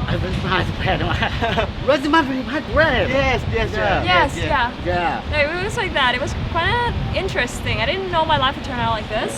I was prepared. Was my prepared great? Yes, yes, yeah. Yes, yeah. Yeah. No, it was like that. It was quite interesting. I didn't know my life would turn out like this.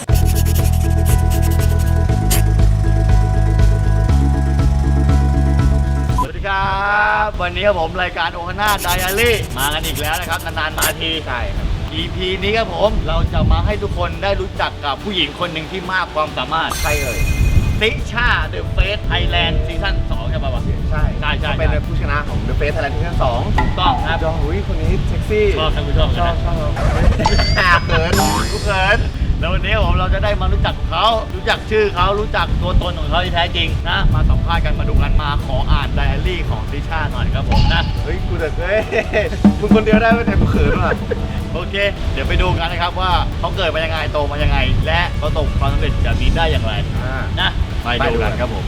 สวัสดีครับวันนี้ครับผมรายการโอฮาน่าไดอารี่มากันอีกแล้วนะครับนานๆมาทีใช่ครับ EP นี้ครับผมเราจะมาให้ทุกคนได้รู้จักกับผู้หญิงคนหนึ่งที่มากความสามารถใครเอ่ยติชา The Face Thailand ซีซั่น2ใช่ป่าวะใช่เขาเป็นผู้ชนะของ The Face Thailand ซีซั่น2 ถูกต้องครับอุ้ยคนนี้เซ็กซี่ชอบท่านผู้ชมชอบเขินกูเขินแล้ววันนี้ผมเราจะได้มารู้จักเขารู้จักชื่อเขารู้จักตัวตนของเขาที่แท้จริงนะมาสัมภาษณ์กันมาดูกันมาขออ่านไดอารี่ของติชาหน่อยครับผมนะเฮ้ยกูแต่มึงคนเดียวได้ไม่แต่กูเขินว่ะโอเคเดี๋ยวไปดูกันนะครับว่าเขาเกิดมายังไงโตมายังไงและประสบความสำเร็จแบบนี้ได้อย่างไรนะไปดูกันครับผม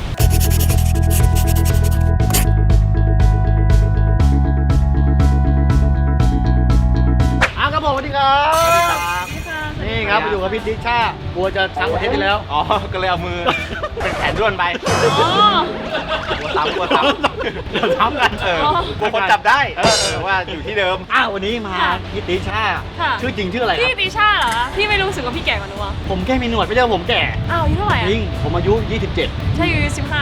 ครับผมสวัสดีครับนี่ครับมาอยู่กับพี่ติชากลัวจะช้างประเทศที่แล้วอ๋อก็เลยเอามือเป็นแขนด้วนไปกลัวซ้ำกันกลัวคนจับได้ว่าอยู่ที่เดิมวันนี้มาพี่ติชาชื่อจริงชื่ออะไรพี่ติชาเหรอพี่ไม่รู้สึกว่าพี่แก่กว่าหนูอ่ะผมแค่มีหนวดไม่ใช่ผมแก่อายุเท่าไหร่จริงผมอายุ27 ใช่อายุ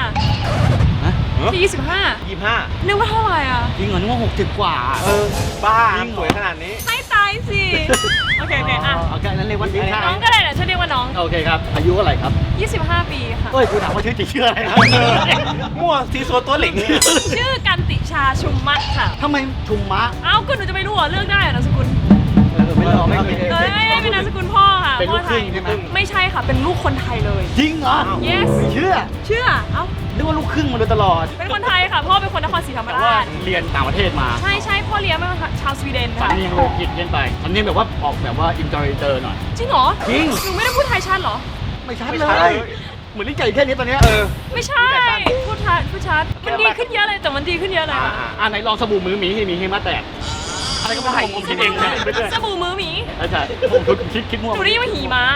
15พี่25นึกว่าเท่าไหร่อ่ะจริงเหรอนึกว่า60กว่าบ้าสวยขนาดนี้ให้ตายสิโอเคโอเคนั้นเรียกว่าน้องก็ได้แหละช่วยเรียกว่าน้องโอเคครับอายุเท่าไหร่ครับ 25 ปีค่ะเฮ้ยกูถามว่าชื่อจริงชื่ออะไรครับมั่วซีซัวตัวเหล็กชื่อกันติชาชุมมะค่ะทำไมชุมมะก็หนูจะไม่รู้เหรอเลือกได้เหรอนามสกุลไม่เป็นนามสกุลพ่อค่ะเป็นลูกครึ่งใช่ไหมไม่ใช่ค่ะเป็นลูกคนไทยเลยจริงเหรอ yes เชื่อนึกว่าลูกครึ่งมาโดยตลอดเป็นคนไทยค่ะพ่อเป็นคนนครศรีธรรมราชเรียนต่างประเทศมาใช่พ่อเลี้ยงเป็นชาวสวีเดนค่ะสำเนียงเลยกินเย็นไปสำเนียงแบบว่าออกแบบว่าอินเตอร์หน่อยจริงเหรอจริงหนูไม่ได้พูดไทยชัดเหรอไม่ชัดเลยเหมือนลิ้นไก่แค่นี้ตอนนี้ไม่ใช่พูดชัดมันดีขึ้นเยอะเลยแต่มันดีขึ้นเยอะเลยไหนลองสบู่มือหมีให้มาแตกอะไรก็ไม่ได้ผมคิดเองสบู่มือหมีใช่ผมคิดมั่วหนูได้ยินว่าหีมา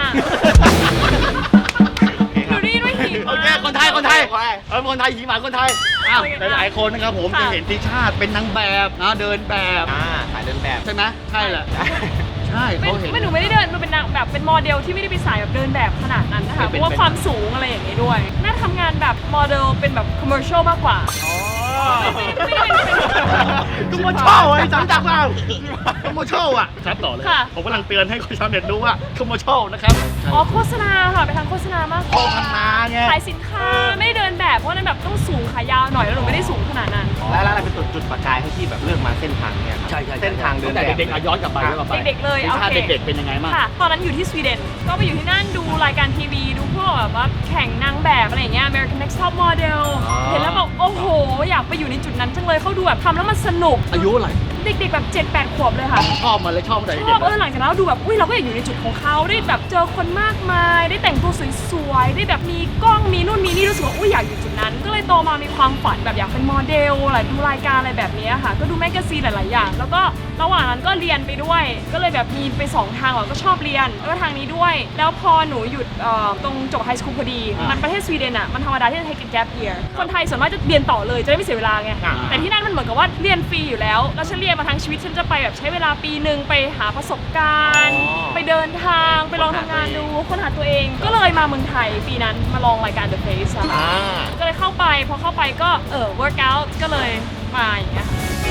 หนูได้ยินว่าหีมาโอเคคนไทยคนไทยหีหมาคนไทยหลายคนนะครับผมจะเห็นติชาเป็นนางแบบนะเดินแบบถ่ายเดินแบบใช่ไหมใช่แหละใช่เขาเห็นไม่หนูไม่ได้เดินมันเป็นนางแบบเป็นโมเดลที่ไม่ได้ไปสายแบบเดินแบบขนาดนั้นนะคะเพราะว่าความสูงอะไรอย่างนี้ด้วยน่าทำงานแบบโมเดลเป็นแบบคอมเมอร์เชียลมากกว่าไม่ได้เป็นคอมเมอร์เชียลไอ้จังจังเปล่าคอมเมอร์เชียลชัดต่อเลยผมกำลังเตือนให้คนชาวเน็ตรู้ว่าคอมเมอร์เชียลนะครับโฆษณาค่ะไปทางโฆษณามากโฆษณาไงขายสินค้าไม่ได้เดินแบบเพราะนั้นแบบต้องสูงขายาวหน่อยแล้วหนูไม่ได้สูงขนาดนั้นแล้วอะไรเป็นจุดประกายให้ที่แบบเลือกมาเส้นทางเนี่ยใช่เส้นทางเดินแบบเด็กๆย้อนกลับไปเด็กๆเลยเอาเด็กๆเป็นยังไงบ้างตอนนั้นอยู่ที่สวีเดนก็ไปอยู่ที่นั่นดูรายการทีวีดูพวกแบบว่าแข่งนางแบบอะไรอย่างเงี้ย American Next Top Model เห็นแล้วแบบโอ้โหอยากไปอยู่ในจุดนั้นจังเลยเขาดูแบบทำแล้วมันสนุกอายุอะไรเด็กๆแบบ7-8 ขวบเลยค่ะชอบมันเลยชอบหลังจากนั้นดูแบบเราก็อยากอยู่ในจุดของเขาได้แบบเจอคนมากมายได้แต่งตัวสวยๆได้แบบมีกล้องมีนู่นมีนี่รู้สึกว่าอยากอยู่จุดนั้นก็เลยโตมามีความฝันแบบอยากเป็นโมเดลอะไรดูรายการอะไรแบบนี้ค่ะก็ดูแมกกาซีนหลายๆอย่างแล้วก็ระหว่างนั้นก็เรียนไปด้วยก็เลยแบบมีไป2ทางก็ชอบเรียนแล้วก็ทางนี้ด้วยแล้วพอหนูหยุดตรงจบไฮสคูลพอดีมันประเทศสวีเดนมันธรรมดาที่จะ take a gap year คนไทยส่วนมากจะเรียนต่อเลยจะได้ไม่เสียเวลาไงแต่ที่นั่นมันเหมือนกับว่าเรียนฟรีอยู่แล้วฉันเรียนมาทั้งชีวิตฉันจะไปแบบใช้เวลาปีนึงไปหาประสบการณ์ไปเดินทางไปลองทำงานดูค้นหาตัวเองก็เลยมาเมืองไทยปีนั้นมาลองรายการ The Face ก็เลยเข้าไปพอเข้าไปก็work out ก็เลยมาอย่างเงี้ย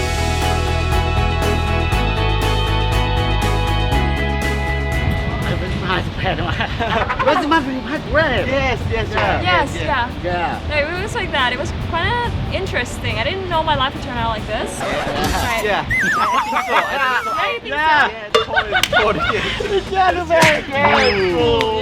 Was my prepared great? Yes, yeah. No, it was like that. It was quite interesting. I didn't know my life would turn out like this. Yeah. I think so. Totally. Yeah, very good.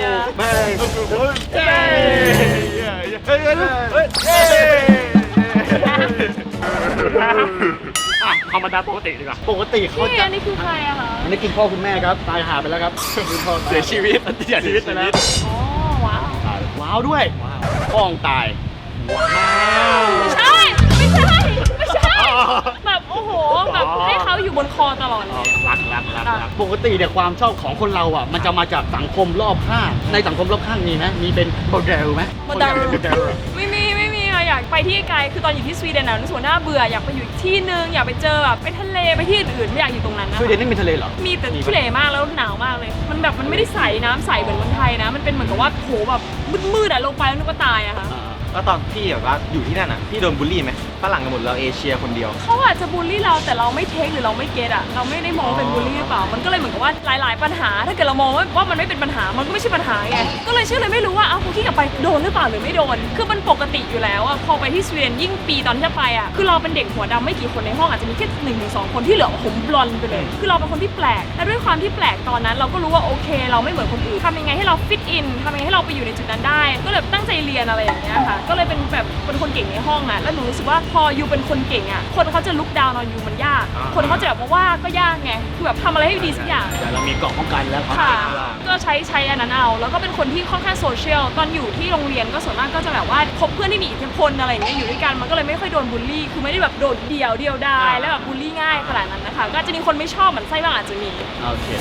Yeah. ธรรมดาปกติดีกว่าปกติเขาจะนี่คือใครอะคะอันนี้คุณพ่อคุณแม่ครับตายหาไปแล้วครับเสียชีวิตไปแล้วว้าวด้วยพ่องตายว้าวไม่ใช่แบบโอ้โหแบบให้เขาอยู่บนคอตลอดเลยรักปกติเนี่ยความชอบของคนเราอ่ะมันจะมาจากสังคมรอบข้างในสังคมรอบข้างมีไหมมีเป็นโมเดลไหมไม่มีอยากไปที่ไกลคือตอนอยู่ที่สวีเดนน่ะรู้สึกว่าน่าเบื่ออยากไปอยู่อีกที่นึงอยากไปเจอแบบไปทะเลไปที่อื่นไม่อยากอยู่ตรงนั้นนะสวีเดนนี่มีทะเลเหรอมีแต่ทะเลมากแล้วหนาวมากเลยมันแบบมันไม่ได้ใสน้ำใสเหมือนเมืองไทยนะมันเป็นเหมือนกับว่าโหแบบมืดๆอะลงไปแล้วนึกว่าตายอะค่ะแล้วตอนพี่แบบว่าอยู่ที่นั่นอ่ะพี่โดนบูลลี่ไหมฝรั่งกันหมดเราเอเชียคนเดียวเขาอาจจะบูลลี่เราแต่เราไม่เทคหรือเราไม่เก็ตอะเราไม่ได้มองเป็นบูลลี่หรือเปล่ามันก็เลยเหมือนกับว่าหลายๆปัญหาถ้าเกิดเรามองว่ามันไม่เป็นปัญหามันก็ไม่ใช่ปัญหาไงก็เลยเชื่อเลยไม่รู้ว่าพอที่กลับไปโดนหรือเปล่าหรือไม่โดนคือมันปกติอยู่แล้วอะพอไปที่สวีเดนยิ่งปีตอนที่จะไปอะคือเราเป็นเด็กหัวดำไม่กี่คนในห้องอาจจะมีแค่1-2 คนที่เหลือผมบลอนด์ไปเลยคือเราเป็นคนที่แปลกและด้วยความที่แปลกตอนนั้นเราก็รู้ว่าโอเคเราไม่เหมือนคนอื่นทำยังไงให้เราฟิตอินทำยังไงให้เราไปอยู่ในจุดนั้นได้ก็เลยตั้งใจเรียนอะไรอย่างเงี้ยค่ะก็เลยเป็นแบบเป็นคนเก่งในห้องอะแล้วหนูรู้สึกว่าพออยู่เป็นคนเก่งอะคนเขาจะลุกดาวน์นอนอยู่มันยากคนเขาจะแบบว่าก็ยากไงคือแบบทำอะไรให้ดีสักอย่างแต่เรามีเกราะป้องกันแล้วครับค่ะก็ใช้อันนั้นเอาแล้วก็เป็นคนที่ค่อนข้างโซเชียลตอนอยู่ที่โรงเรียนก็ส่วนมากก็จะแบบว่าคบเพื่อนที่มีอิทธิพลอะไรอย่างเงี้ยอยู่ด้วยกันมันก็เลยไม่ค่อยโดนบูลลี่คือไม่ได้แบบโดดเดี่ยวดายแล้วแบบบูลลี่ง่ายขนาดนั้นนะคะก็อาจจะมีคนไม่ชอบเหมือนไส้บ้างอาจจะมีโอเค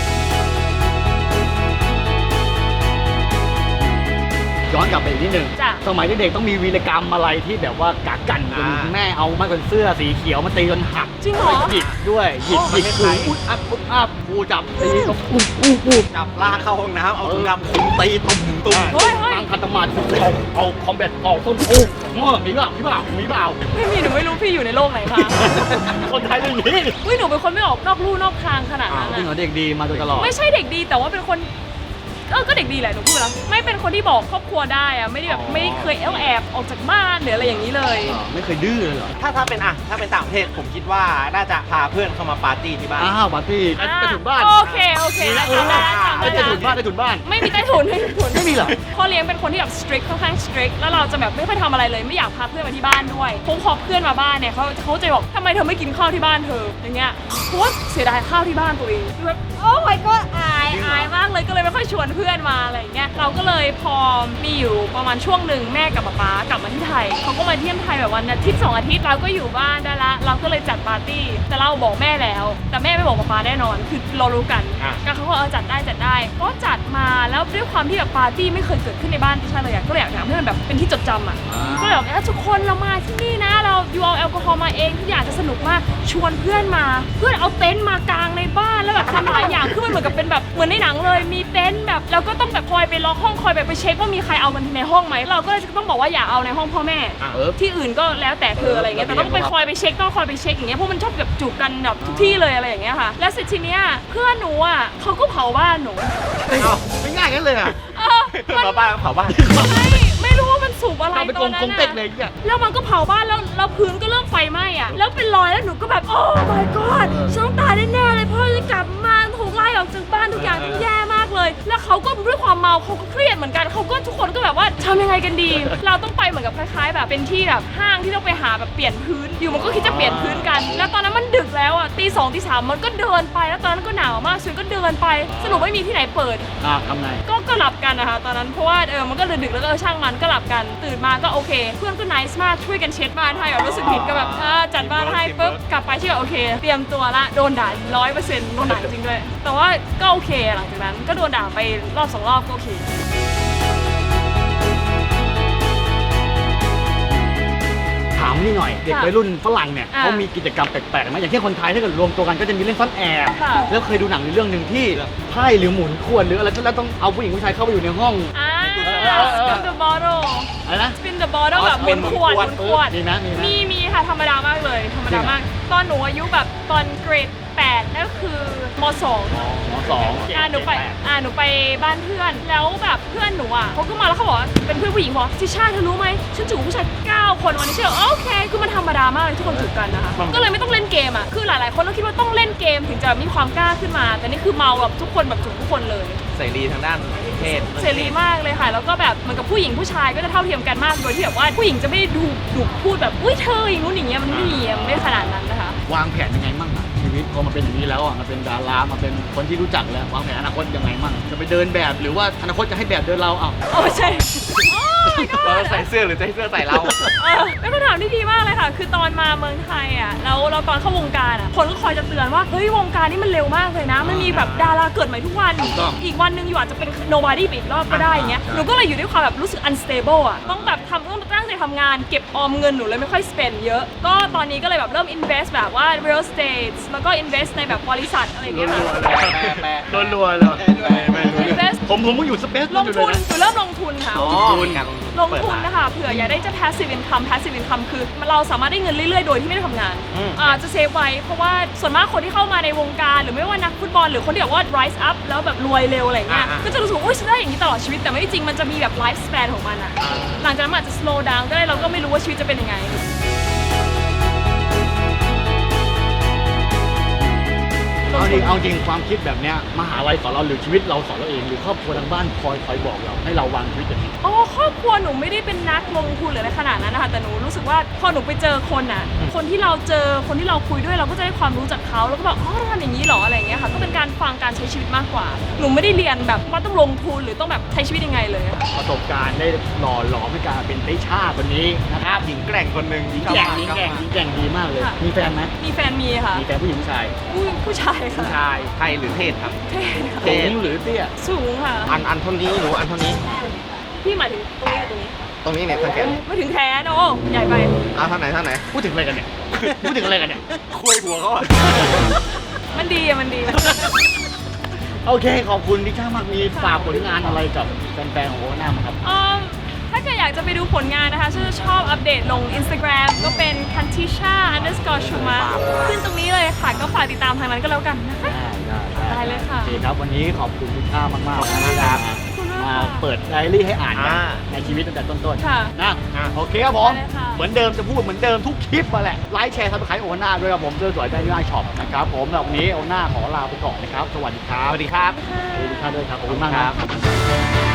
ย้อนกลับไปอีกนิดนึงจ้ะสมัยเด็กๆต้องมีวีรกรรมอะไรที่แบบว่ากักกันจนแม่เอาไม้กันเสื้อสีเขียวมาตีจนหักจริงเหรอหยิกด้วยหยิกครูอุ๊ดอัพครูจับตีก็ปุ๊บจับลากเข้าห้องน้ำเอาถุงดำคุมตีตุ่มเฮ้ยตั้งคัตมาดเอาคอมแบทออกต้นโอ้มีเปล่าไม่มีหนูไม่รู้พี่อยู่ในโลกไหนคะคนไทยเป็นอย่างนี้อุ้ยหนูเป็นคนไม่ออกนอกลู่นอกทางขนาดนั้นจริงเหรออะเด็กดีมาโดยตลอดไม่ใช่เด็กดีแต่ว่าเป็นคนก็เด็กดีแหละหนูพูดแล้วไม่เป็นคนที่บอกครอบครัวได้อะไม่ได้แบบไม่เคยแอบออกจากบ้านหรืออะไรอย่างนี้เลยไม่เคยดื้อเลยเหรอถ้าเป็นต่างประเทศผมคิดว่าน่าจะพาเพื่อนเข้ามาปาร์ตี้ที่บ้านอ้าวปาร์ตี้ไปถุนบ้านโอเคได้ทำได้ไปถุนบ้านไปถุนบ้านไม่มีใต้ถุนไม่มีเหรอพ่อเลี้ยงเป็นคนที่แบบ strict ค่อนข้าง strict แล้วเราจะแบบไม่ค่อยทำอะไรเลยไม่อยากพาเพื่อนมาที่บ้านด้วยพอเพื่อนมาบ้านเนี่ยเขาจะบอกทำไมเธอไม่กินข้าวที่บ้านเธออย่างเงี้ยเพราะว่าเสียดายข้าวที่บ้านตัวเองแบบโอ้ my god อายมากเลยก็เลยไม่ค่อยชวนเพื่อนมาอะไรอย่างเงี้ยเราก็เลยพอมีอยู่ประมาณช่วงหนึ่งแม่กับป๊ากลับมาที่ไทยเขาก็มาเที่ยมไทยแบบวันอาทิตย์2 อาทิตย์เราก็อยู่บ้านได้ละเราก็เลยจัดปาร์ตี้แต่เราบอกแม่แล้วแต่แม่ไม่บอกป๊าแน่นอนคือเรารู้กันก็เขาก็จัดได้ก็จัดมาแล้วด้วยความที่แบบปาร์ตี้ไม่เคยเกิดขึ้นในบ้านที่ใช่เลยก็เลยอยากทำให้มันแบบเป็นที่จดจำอ่ะก็เลยแบบทุกคนเรามาที่นี่นะเราอยู่เอาแอลกอฮอล์มาเองทุกอย่างจะสนุกมากชวนเพื่อนมาเพื่อนเอาเต็นท์มากางในบ้านแล้วแบบทำหลายอย่างคือมันเหมือนกับเป็นแบบเหมือนในหนังเลยมีเต็นท์แบบเราก็ต้องแบบคอยไปล็อกห้องคอยไปเช็คว่ามีใครเอามันในห้องไหมเราก็เลยต้องบอกว่าอย่าเอาในห้องพ่อแม่ที่อื่นก็แล้วแต่เธออะไรเงี้ยแต่ต้องไปคอยไปเช็คต้องคอยไปเช็คอย่างเงี้ยเพราะมันชอบแบบจูบกันแบบทุกที่เลยอะไรอย่างเงี้ยค่ะแล้วเสร็จทีเนี้ยเพื่อนหนูอ่ะเขาก็เผาบ้านหนูไม่ง่ายกันเลยอ่ะเพื่อนมาบ้านเผาบ้านไม่รู้ว่ามันสูบอะไรเราเป็นตอนนั้นกงเต็กเลยเนี่ยแล้วมันก็เผาบ้านแล้วพื้นก็เริ่มไฟไหม้อ่ะแล้วเป็นรอยแล้วหนูก็แบบโอ้ my god ฉันต้องตายแน่ๆเลยเพราะจะกลับมาถูกไล่ออกจากบ้านทุกอย่างแย่มากเลยแล้วเขาก็ด้วยความเมาเขาก็เครียดเหมือนกันเขาก็ทุกคนก็แบบว่าทำยังไงกันดี เราต้องไปเหมือนกับคล้ายๆแบบเป็นที่แบบห้างที่ต้องไปหาแบบเปลี่ยนพื้นอยู่มันก็คิดจะเปลี่ยนพื้นกันแล้วตอนนั้นมันดึกแล้วอ่ะตี 2 ตี 3มันก็เดินไปแล้วตอนนั้นก็หนาวมากสุดก็เดินไปสรุปไม่มีที่ไหนเปิดทำไงก็หลับกันนะคะตอนนั้นเพราะว่ามันก็ดึกแล้วก็ช่างมันก็หลับกันตื่นมาก็โอเคเพื่อนก็ nice มากช่วยกันเช็ดบ้านให้แบบรู้สึกผิดก็แบบจัดบ้านให้ปุ๊บกลับไปที่แบบโอเคเตรียมตัวละโดนด่า 100% โดนด่าจริงด้วยแต่ว่าก็โอเคหลังจากนั้นก็โดนด่าไปรอบ2 รอบก็โอเคถามนี่หน่อยเด็กวัยรุ่นฝรั่งเนี่ยเขามีกิจกรรมแปลกๆไหมอย่างเช่นคนไทยถ้าเกิดรวมตัวกันก็จะมีเล่นซ่อนแอบแล้วเคยดูหนังเรื่องหนึ่งที่ไพ่หรือหมุนขวดหรืออะไรแล้วต้องเอาผู้หญิงผู้ชายเข้าไปอยู่ในห้อง spin the bottle อะไรนะ spin the bottle แบบหมุนขวดมีค่ะธรรมดามากเลยธรรมดามากตอนหนูอายุแบบตอนเกรด8นั่นคือม.2 หนูไปบ้านเพื่อนแล้วแบบเพื่อนหนูอ่ะเขาก็มาแล้วเขาบอกเป็นเพื่อนผู้หญิงบอกทิชาเธอรู้ไหมฉันจูบผู้ชาย9 คนวันนี้เชื่อโอเคคือมันธรรมดามากเลยทุกคนจูบกันนะคะก็เลยไม่ต้องเล่นเกมอ่ะคือหลายๆคนก็คิดว่าต้องเล่นเกมถึงจะมีความกล้าขึ้นมาแต่นี่คือเมาแบบทุกคนแบบจูบทุกคนเลยเสรีทางด้านเพศเสรีมากเลยค่ะแล้วก็แบบเหมือนกับผู้หญิงผู้ชายก็จะเท่าเทียมกันมากโดยที่แบบว่าผู้หญิงจะไม่ดูพูดแบบอุ้ยเธออย่างนู้นอย่างเงี้ยมันไม่มีไม่ขนาดนั้นนะคะวางแผนยังไงมั่งอะชีวิตพอมาเป็นอย่างนี้แล้วอ่ะมาเป็นดารามาเป็นคนที่รู้จักแล้ววางแผนอนาคตยังไงมั่งจะไปเดินแบบหรือว่าอนาคตจะให้แบบเดินเราใช่เราใส่เสื้อหรือจะให้เสื้อใส่เราเป็นคำถามที่ดีมากเลยค่ะคือตอนมาเมืองไทยอ่ะแล้วเราตอนเข้าวงการอ่ะคนก็คอยจะเตือนว่าเฮ้ยวงการนี้มันเร็วมากเลยนะมันมีแบบดาราเกิดใหม่ทุกวันอีกวันนึงอยู่อาจจะเป็น nobody ไปอีกรอบก็ได้อย่างเงี้ยหนูก็เลยอยู่ด้วยความแบบรู้สึก unstable อ่ะต้องแบบต้องตั้งใจแต่ทำงานเก็บออมเงินหนูเลยไม่ค่อย spend เยอะก็ตอนนี้ก็เลยแบบเริ่ม invest แบบว่า real estate แล้วก็ invest ในแบบบริษัทอะไรอย่างเงี้ยค่ะรัวๆเลย invest ผมเพิ่งอยู่สเปซลงทุนหนูเริ่มลงทุนค่ะอ๋อลงทุนนะคะเผื่ออยากได้จะ passive income คือเราสามารถได้เงินเรื่อยๆ โดยที่ไม่ได้ทำงานจะเซฟไว้เพราะว่าส่วนมากคนที่เข้ามาในวงการหรือไม่ว่านักฟุตบอลหรือคนที่แบบว่า rise up แล้วแบบรวยเร็วอะไรเงี้ยก็จะรู้สึกว่าอุ้ยฉันได้อย่างนี้ตลอดชีวิตแต่ไม่จริงมันจะมีแบบ life span ของมันอะหลังจากนั้นมันอาจจะ slow down ก็ได้เราก็ไม่รู้ว่าชีวิตจะเป็นยังไงเอาจริงความคิดแบบเนี้ยมหาลัยสอนเราหรือชีวิตเราสอนเราเองหรือครอบครัวทางบ้านคอยบอกเราให้เราวางชีวิตอย่างนี้อ๋อครอบครัวหนูไม่ได้เป็นนักลงทุนหรืออะไรขนาดนั้นนะคะแต่หนูรู้สึกว่าพอหนูไปเจอคนอ่ะคนที่เราเจอคนที่เราคุยด้วยเราก็จะได้ความรู้จากเขาแล้วก็แบบอ๋อเราทำอย่างนี้เหรออะไรอย่างเงี้ยค่ะก็เป็นการฟังการใช้ชีวิตมากกว่าหนูไม่ได้เรียนแบบว่าต้องลงทุนหรือต้องแบบใช้ชีวิตยังไงเลยค่ะประสบการณ์ได้หล่อหลอมให้การเป็นติช่าคนนี้นะครับหญิงแกร่งคนหนึ่งหญิงแกร่งดีมากเลยค่ะมีแฟนไหมมีแฟนมีค่ะมีแฟนผู้หญิงผู้ชายผู้ชายค่ะผู้ชายไทยหรือเทศครับเท่ค่ะสูงหรือเตี้ยสูงค่ะอันเท่านี้หนูอันเท่านี้พี่หมายถึงตรงนี้หรือตรงนี้ตรงนี้เนี่ยสังเกตไม่ถึงแขนโอ้ใหญ่ไปเอาเท่าไหนเท่าไหนพูดถึงอะไรกันเนี่ย พูดถึงอะไรกันเนี่ยคุยหัวเขาอะมันดีอะมันดีโอเคขอบคุณติช่ามากมีฝากผลงานอะไรกับแฟนๆของโอน่ามั้งครับถ้าเกิดอยากจะไปดูผลงานนะคะฉันจะชอบอัปเดตลง Instagram ก็เป็น kantisha_shuma ขึ้นตรงนี้เลยค่ะ ก็ฝากติดตามทางนั้นก็แล้วกันนะคะ ได้เลยค่ะโอเคครับวันนี้ขอบคุณติช่ามากๆนะครับขอบคุณมากมาค่ะเปิดไดอารี่ให้อ่านกันในชีวิตตั้งแต่ต้นค่ะๆนะโอเคครับผมได้เลยค่ะเหมือนเดิมจะพูดเหมือนเดิมทุกคลิปมาแหละไลค์แชร์ซับสไครต์โอน่าด้วยครับผมเจอสวยได้ที่ไลน์ช็อปนะครับผมแล้ววันนี้โอน่าขอลาไปก่อนนะครับสวัสดีครับสวัสดีครับสวัสดีครับด้วยครับขอบคุณมากครับ